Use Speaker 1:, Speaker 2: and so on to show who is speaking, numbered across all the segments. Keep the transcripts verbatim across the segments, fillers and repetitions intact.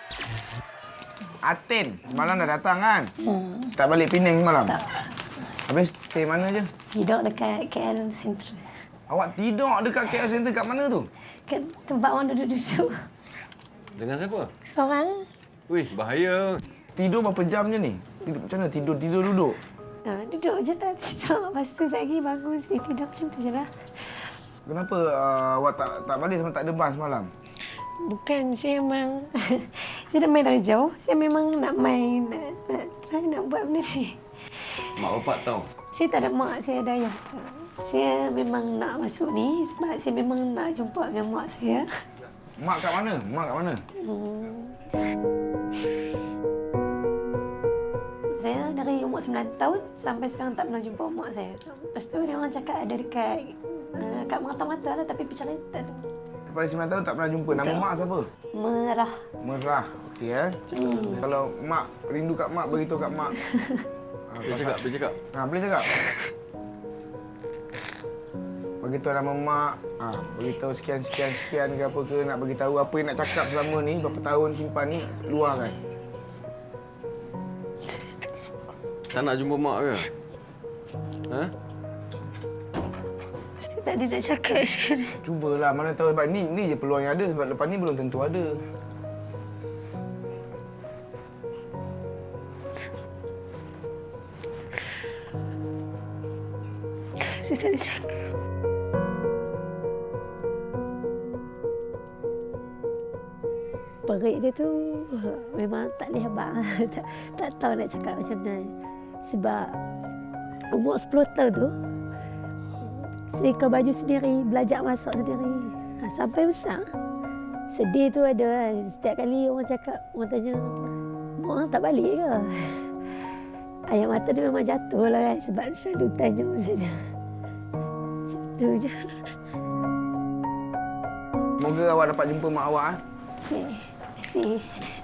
Speaker 1: Atin, semalam dah datang kan?
Speaker 2: Hmm.
Speaker 1: Tak balik Penang semalam?
Speaker 2: Tak.
Speaker 1: Habis stay mana je?
Speaker 2: Tidur dekat K L Central.
Speaker 1: Awak tidur dekat K L Center kat mana tu?
Speaker 2: Kat tempat orang duduk-duduk.
Speaker 3: Dengan siapa?
Speaker 2: Seorang.
Speaker 3: Wih, bahaya.
Speaker 1: Tidur berapa jam je ni? Tidur macam mana? Tidur, tidur, duduk?
Speaker 2: Ha, duduk je tak tidur. Lepas tu saya pergi bangun saya tidur macam tu je lah.
Speaker 1: Kenapa uh, awak tak tak balik sama tak ada bas semalam?
Speaker 2: Bukan, saya memang... saya dah main dari jauh. Saya memang nak main, nak, nak try nak buat benda ni.
Speaker 3: Mak bapak tahu.
Speaker 2: Saya tak ada mak, saya ada ayah je. Saya memang nak masuk ni sebab saya memang nak jumpa dengan mak saya.
Speaker 1: Mak kat mana? Mak kat mana?
Speaker 2: Hmm. Saya dari umur sembilan tahun sampai sekarang tak pernah jumpa mak saya. Lepas tu dia orang cakap ada dekat uh, kat mata-mata lah tapi percaya tak ada.
Speaker 1: Daripada sembilan tahun tak pernah jumpa. Nama
Speaker 2: Betul.
Speaker 1: mak siapa?
Speaker 2: Merah.
Speaker 1: Merah. Okey eh.
Speaker 2: Hmm.
Speaker 1: Kalau mak rindu kat mak, beritahu kat mak.
Speaker 3: Boleh cakap, boleh cakap.
Speaker 1: Ha, boleh cakap? Beritahu nama mak, ha, beritahu sekian-sekian-sekian ke apa ke, nak beritahu apa yang nak cakap selama ni, berapa tahun simpan ni, luahkan.
Speaker 3: Tak nak jumpa mak ke? Ha?
Speaker 2: Saya tak ada nak cakap.
Speaker 1: Cubalah, mana tahu sebab ni, ni je peluang yang ada sebab lepas ni belum tentu ada.
Speaker 2: Saya tak ada cakap. Perik dia tu memang tak boleh habaq. tak, tak tahu nak cakap macam mana. Sebab umur sepuluh tahun tu, setrika baju sendiri, belajar masak sendiri. Ha, sampai besar. Sedih tu ada kan. Setiap kali orang cakap, orang tanya, mak tak balik ke? Air mata dia memang jatuh lah kan. Sebab selalu tanya macam tu. Macam tu je.
Speaker 1: Semoga awak dapat jumpa mak awak. Eh.
Speaker 2: Okay. Terima kasih.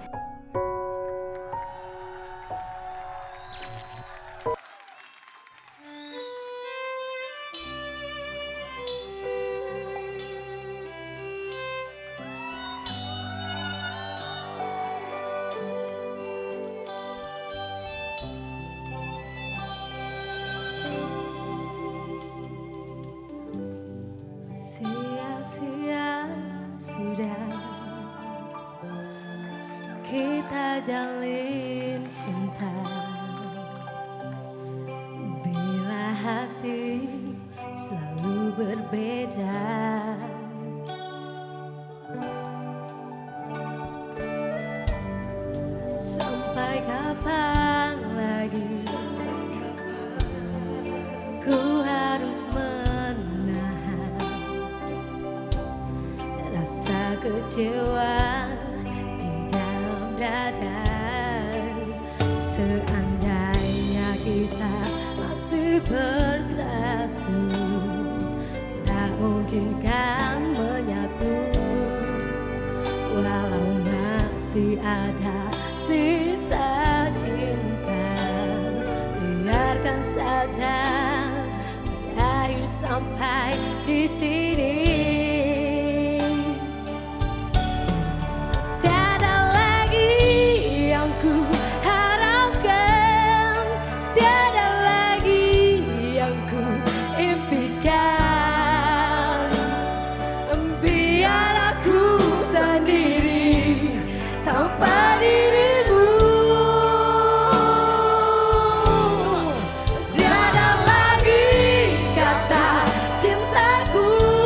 Speaker 4: Sia-sia sudah kita jalin cinta, bila hati selalu berbeda. Sampai kapan lagi ku harus menahan rasa kecewa di dalam dada. Seandainya kita masih bersatu, tak mungkin kan menyatu. Walau masih ada sisa cinta, biarkan saja berakhir sampai di sini. Tiada lagi yang ku harapkan, tiada lagi yang ku impikan. Biar aku sendiri tanpa dirimu. Tiada lagi kata cintaku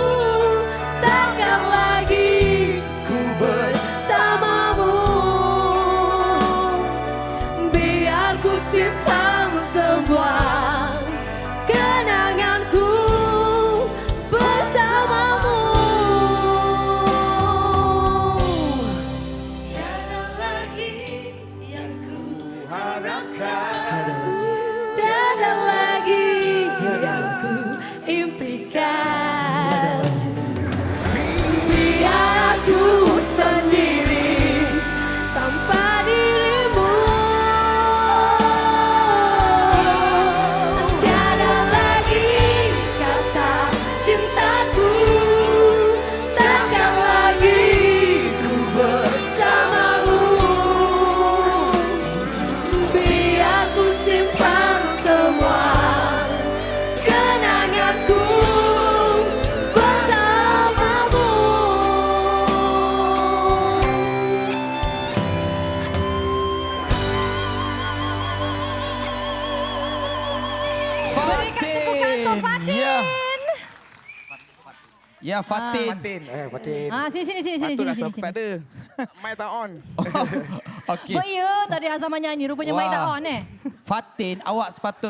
Speaker 5: Ya, Fatin.
Speaker 1: Fatin. Eh, Fatin.
Speaker 6: Ah, sini sini sini sini sini
Speaker 1: Patutlah
Speaker 6: sini.
Speaker 1: sebab tak ada. Mic tak on.
Speaker 5: Okey.
Speaker 6: Buat ya tadi Azamah nyanyi rupanya mic tak on eh.
Speaker 5: Fatin, awak sepatut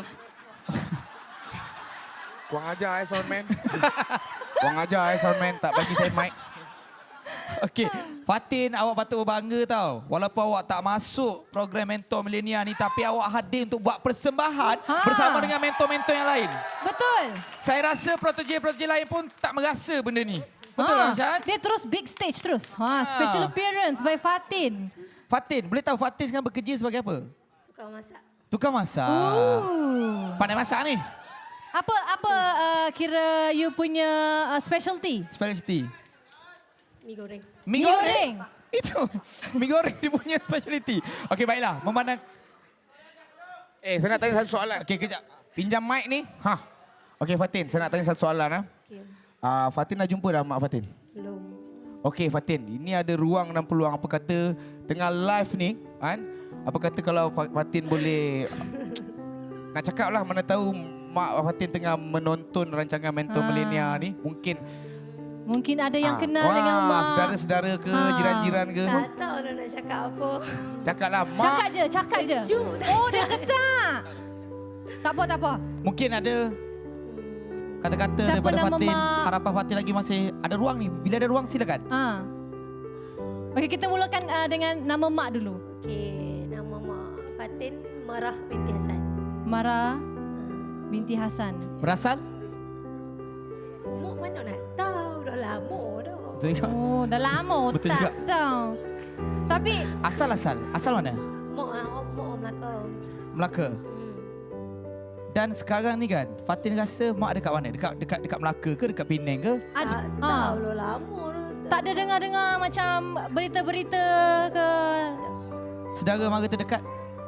Speaker 1: Kurang ajar eh soundman. Kurang ajar eh soundman. Tak bagi saya mic.
Speaker 5: Okey, Fatin, awak patut berbangga tau. Walaupun awak tak masuk program Mentor Millennial ni, tapi awak hadir untuk buat persembahan
Speaker 6: Ha.
Speaker 5: bersama dengan mentor-mentor yang lain.
Speaker 6: Betul.
Speaker 5: Saya rasa protege-protege lain pun tak merasa benda ni. Betul
Speaker 6: Ha,
Speaker 5: tak, Syad?
Speaker 6: Dia terus big stage terus. Ha, special appearance by Fatin.
Speaker 5: Fatin, boleh tahu Fatin sekarang bekerja sebagai apa?
Speaker 2: Tukang masak.
Speaker 5: Tukang masak.
Speaker 6: Ooh.
Speaker 5: Pandai masak ni?
Speaker 6: Apa apa uh, kira you punya uh, specialty?
Speaker 5: Specialty.
Speaker 2: Mi goreng.
Speaker 5: Mi
Speaker 6: Mi
Speaker 5: goreng.
Speaker 6: goreng.
Speaker 5: Itu. Mi goreng dia punya specialty. Okey, baiklah. Memandang...
Speaker 1: Eh, saya nak tanya satu soalan.
Speaker 5: Okey, kejap.
Speaker 1: Pinjam mic ni. Ha. Okey, Fatin. Saya nak tanya satu soalan. Ha.
Speaker 2: Okay.
Speaker 1: Uh, Fatin dah jumpa dah mak Fatin?
Speaker 2: Belum.
Speaker 1: Okey, Fatin. Ini ada ruang dan peluang. Apa kata tengah live ni, kan? Apa kata kalau Fa- Fatin boleh... nak cakap lah, mana tahu mak Fatin tengah menonton rancangan Mentor
Speaker 6: Ha.
Speaker 1: Millennial ni. Mungkin...
Speaker 6: Mungkin ada yang
Speaker 1: ah,
Speaker 6: kenal
Speaker 1: wah,
Speaker 6: dengan mak.
Speaker 1: Saudara-saudara ke,
Speaker 6: Ha.
Speaker 1: jiran-jiran ke.
Speaker 2: Tak tahu dah nak cakap apa.
Speaker 1: Cakaplah, mak.
Speaker 6: Cakap je, cakap je.
Speaker 2: Sejuk.
Speaker 6: Oh, dia ketak. Tak apa, tak apa.
Speaker 5: Mungkin ada kata-kata
Speaker 6: Siapa
Speaker 5: daripada
Speaker 6: nama
Speaker 5: Fatin.
Speaker 6: mak?
Speaker 5: Harapan Fatin lagi masih ada ruang ni. Bila ada ruang, silakan.
Speaker 6: Ha. Okey, kita mulakan uh, dengan nama mak dulu.
Speaker 2: Okey, nama mak Fatin Marah binti Hasan.
Speaker 6: Mara binti Hasan.
Speaker 5: Berasal?
Speaker 2: Umur mana nak tahu, dah lama dah.
Speaker 5: Betul juga.
Speaker 6: Oh, dah lama
Speaker 5: Betul
Speaker 6: tak
Speaker 5: juga.
Speaker 6: tahu. Tapi
Speaker 5: Asal-asal? Asal mana?
Speaker 2: Mak ah, mak orang Melaka.
Speaker 5: Melaka.
Speaker 2: Hmm.
Speaker 5: Dan sekarang ni kan, Fatin rasa mak dekat mana? Dekat dekat dekat Melaka ke? Dekat Penang ke?
Speaker 6: Aj-
Speaker 2: Tak
Speaker 6: ha.
Speaker 2: tahu dah lama dah.
Speaker 6: tak ada dengar-dengar macam berita-berita ke?
Speaker 5: Saudara mara terdekat?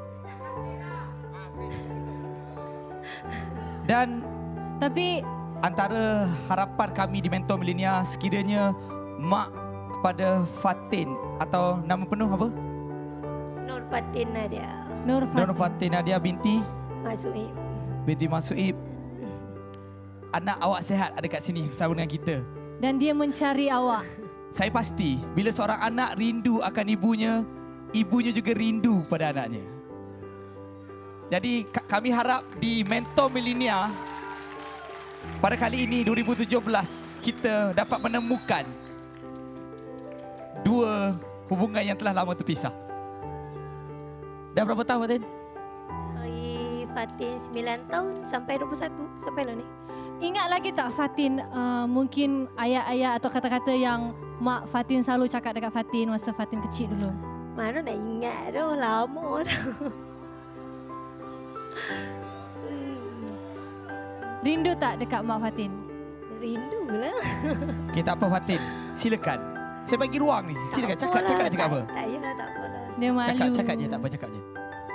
Speaker 5: Dan
Speaker 6: Tapi
Speaker 5: antara harapan kami di Mentor Millennial, sekiranya mak kepada Fatin atau nama penuh apa?
Speaker 2: Nur Fatin Nadia.
Speaker 6: Nur
Speaker 5: Nur
Speaker 6: Fatin.
Speaker 5: Fatin Nadia binti
Speaker 2: Masuk ni.
Speaker 5: binti Masuib. Anak awak sihat ada kat sini bersama dengan kita.
Speaker 6: Dan dia mencari awak.
Speaker 5: Saya pasti bila seorang anak rindu akan ibunya, ibunya juga rindu pada anaknya. Jadi ka- kami harap di Mentor Millennial pada kali ini dua ribu tujuh belas kita dapat menemukan dua hubungan yang telah lama terpisah. Dah berapa tahun Fatin?
Speaker 2: Hari Fatin sembilan tahun sampai dua puluh satu. Sampai lah ni.
Speaker 6: Ingat lagi tak Fatin uh, mungkin ayat-ayat atau kata-kata yang mak Fatin selalu cakap dekat Fatin masa Fatin kecil dulu?
Speaker 2: Mana nak ingat dah, lama dah. Hmm,
Speaker 6: Rindu tak dekat mak Fatin?
Speaker 2: rindu lah.
Speaker 5: Okey, tak apa Fatin. Silakan. Saya bagi ruang ni. Silakan
Speaker 2: Tak
Speaker 5: cakap
Speaker 2: apalah,
Speaker 5: cakap nak cakap
Speaker 2: tak-
Speaker 5: apa?
Speaker 2: Tak payahlah, tak apalah.
Speaker 6: Dia malu.
Speaker 5: Cakap cakap je, tak apa cakap je.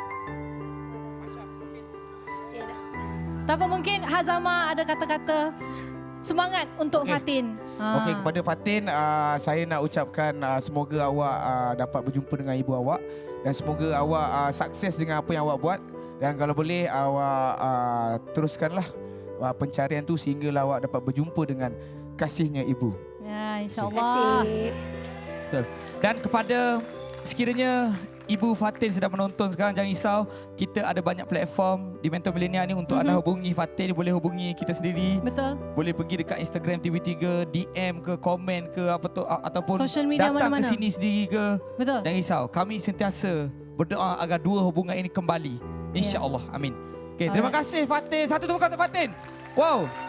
Speaker 2: Okay dah.
Speaker 6: Tak apa, mungkin Hazama ada kata-kata semangat untuk
Speaker 1: Okey.
Speaker 6: Fatin. Ha.
Speaker 1: Okey, kepada Fatin, uh, saya nak ucapkan uh, semoga awak uh, dapat berjumpa dengan ibu awak dan semoga awak uh, sukses dengan apa yang awak buat dan kalau boleh awak uh, teruskanlah uh, pencarian tu sehinggalah awak dapat berjumpa dengan kasihnya ibu.
Speaker 6: Ya,
Speaker 2: Terima
Speaker 6: insyaAllah.
Speaker 2: kasih.
Speaker 5: Betul. Dan kepada sekiranya Ibu Fatin sedang menonton sekarang, jangan risau. Kita ada banyak platform di Mentor Millennial ni untuk
Speaker 6: Mhm.
Speaker 5: anda hubungi Fatin. Boleh hubungi kita sendiri.
Speaker 6: Betul.
Speaker 5: Boleh pergi dekat Instagram T V tiga, D M ke, komen ke, apa tu, a- ataupun
Speaker 6: Social media
Speaker 5: datang
Speaker 6: mana-mana.
Speaker 5: ke sini sendiri ke.
Speaker 6: Betul.
Speaker 5: Jangan risau. Kami sentiasa berdoa agar dua hubungan ini kembali. InsyaAllah. Amin. Okay, terima
Speaker 6: Alright.
Speaker 5: kasih Fatin. Satu tepuk tangan untuk Fatin. Wow.